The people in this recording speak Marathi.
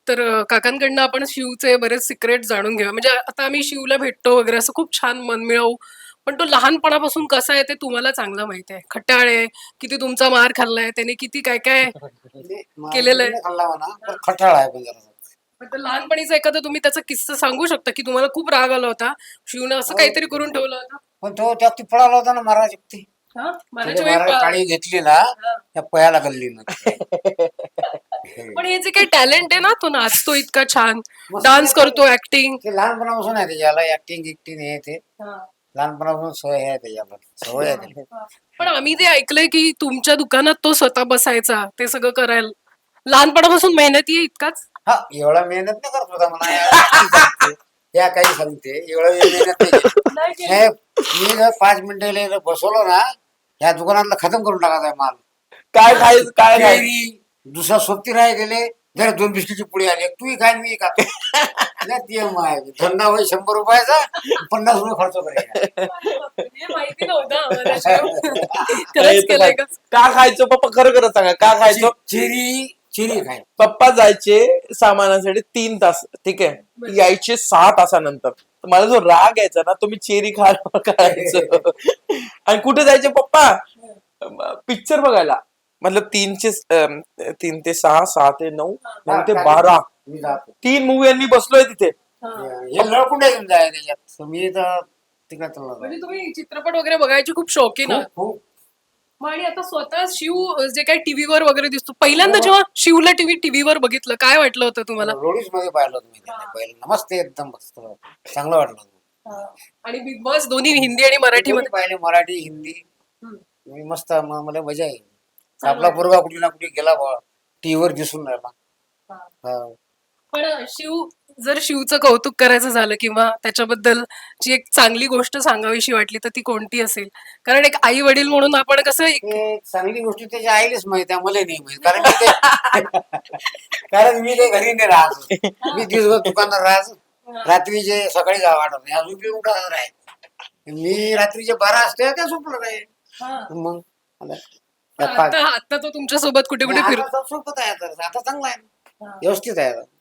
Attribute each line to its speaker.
Speaker 1: तर काकांकडनं आपण शिवचे बरेच सिक्रेट जाणून घेऊया. म्हणजे आता आम्ही शिवला भेटतो वगैरे असं खूप छान मनमिळावू. पण तो लहानपणापासून कसा आहे ते तुम्हाला चांगलं माहिती आहे. खट्याळ आहे, किती तुमचा मार खाल्लाय, त्याने किती काय-काय
Speaker 2: म्हणजे
Speaker 1: केलेलं
Speaker 2: मारबीर
Speaker 1: आहे.
Speaker 2: नाही खाल्ला म्हणा, पण
Speaker 1: हां.
Speaker 2: खठाळ आहे पण जरा.
Speaker 1: तर लहानपणीचा एखादा तुम्ही त्याचा किस्सा सांगू शकता, की तुम्हाला खूप राग आला होता. शिवनं असं
Speaker 2: हो,
Speaker 1: काहीतरी करून ठेवलं होतं?
Speaker 2: पण तो त्या ती पळाला होता ना महाराज ती.
Speaker 1: हां,
Speaker 2: तिथे
Speaker 1: मारायच्या वेळी
Speaker 2: महाराज काळी घेतली ना,
Speaker 1: हां.
Speaker 2: त्या पयाला गल्ली ना.
Speaker 1: पण हे जे काही टॅलेंट आहे ना, तो नाचतो इतका छान,
Speaker 2: मस्त
Speaker 1: डान्स
Speaker 2: नाही
Speaker 1: करतो, ॲक्टिंग.
Speaker 2: ते लहानपणापासून आहे त्याच्याला ऍक्टिंग गिक्टिंग हे ते लहानपणापासून सवय आहे त्याच्याला सवय आहे त्याला.
Speaker 1: पण आम्ही ते ऐकलंय, की तुमच्या दुकानात तो स्वतः बसायचा, ते सगळं करायला. लहानपणापासून मेहनती आहे इतकाच?
Speaker 2: हा एवढा मेहनत नाही करत होता म्हणा या गोष्टी सांगते या काही सांगते एवढं मेहनत नाही
Speaker 1: नाही
Speaker 2: केली.
Speaker 1: केली.
Speaker 2: हे मी जर 5 मिनिटं बसवलो ना या दुकानातला खतम करून टाकायचा आहे माल.
Speaker 3: काय खायचं काय खायचं
Speaker 2: कैरी दुसरा सोबती राही गेले जरा 2 बिस्किटची पुडी आली तूही खाय मी खातो. नाही ते माय धंदा होई 100 रुपयाचा 50 रुपये खर्च करायचा.
Speaker 1: हे माहिती नव्हतं आम्हाला शिव.
Speaker 3: काय
Speaker 1: खरंच
Speaker 3: येतं
Speaker 1: केलंय
Speaker 3: काय?
Speaker 1: का?
Speaker 3: का खायचं पप्पा खरं खरं सांगा का खायचं
Speaker 2: चिरी चिरी खाय
Speaker 3: पप्पा जायचे सामानासाठी 3 तास ठीक आहे यायचे 6 तासानंतर तर मला जो राग यायचा ना तो मी चेरी खायला करायचो आणि कुठे जायचे पप्पा पिक्चर बघायला मतलब 3 ते 6 6 ते 9 9 ते 12
Speaker 2: मी जातो
Speaker 3: 3 मूवी मी बसलोय तिथे
Speaker 2: हे लळकुंड येऊन जाय त्याच्यात मी तर तिकडे चालला
Speaker 1: म्हणजे तुम्ही चित्रपट वगैरे बघायचे खूप शौकीन आहात.
Speaker 2: खूप खूप
Speaker 1: मग आणि आता स्वतः शिव जे काही टीव्हीवर वगैरे दिसतो, पहिल्यांदा जेव्हा शिवला टीव्हीवर बघितलं, काय वाटलं होतं तुम्हाला?
Speaker 2: रोडीज मध्ये पाहिलं तुम्ही पहिलं मस्त एकदम मस्त चांगलं वाटलं.
Speaker 1: आणि बिग बॉस दोन्ही हिंदी आणि मराठीमध्ये.
Speaker 2: पाहिले मराठी हिंदी
Speaker 1: हम्म.
Speaker 2: मी मस्त मला मजा आहे.
Speaker 1: चांगलं
Speaker 2: आपला
Speaker 1: आहे.
Speaker 2: पोरगा कुठे ना कुठे गेला बा टीव्हीवर दिसून राहिला.
Speaker 1: हा.
Speaker 2: हा.
Speaker 1: पण जर शिवचं कौतुक करायचं झालं किंवा त्याच्याबद्दल जी एक चांगली गोष्ट सांगावीशी वाटली तर ती कोणती असेल? कारण एक आई वडील म्हणून आपण कसं
Speaker 2: ते चांगली गोष्ट त्याच्या आईलाच माहिती आहे मला नाही माहित कारण मी ते कारण मी ते घरी नाही राहत मी दिवसभर दुकानात राहत रात्रीचे सकाळी जा वाटत नाही अजून बी उठत राहील मी रात्रीचे 12 असते त्या झोपलं नाही मग
Speaker 1: आता तो तुमच्या सोबत कुठे कुठे फिरतो.
Speaker 2: आता सोबत आहे आता चांगला आहे व्यवस्थित आहे आता.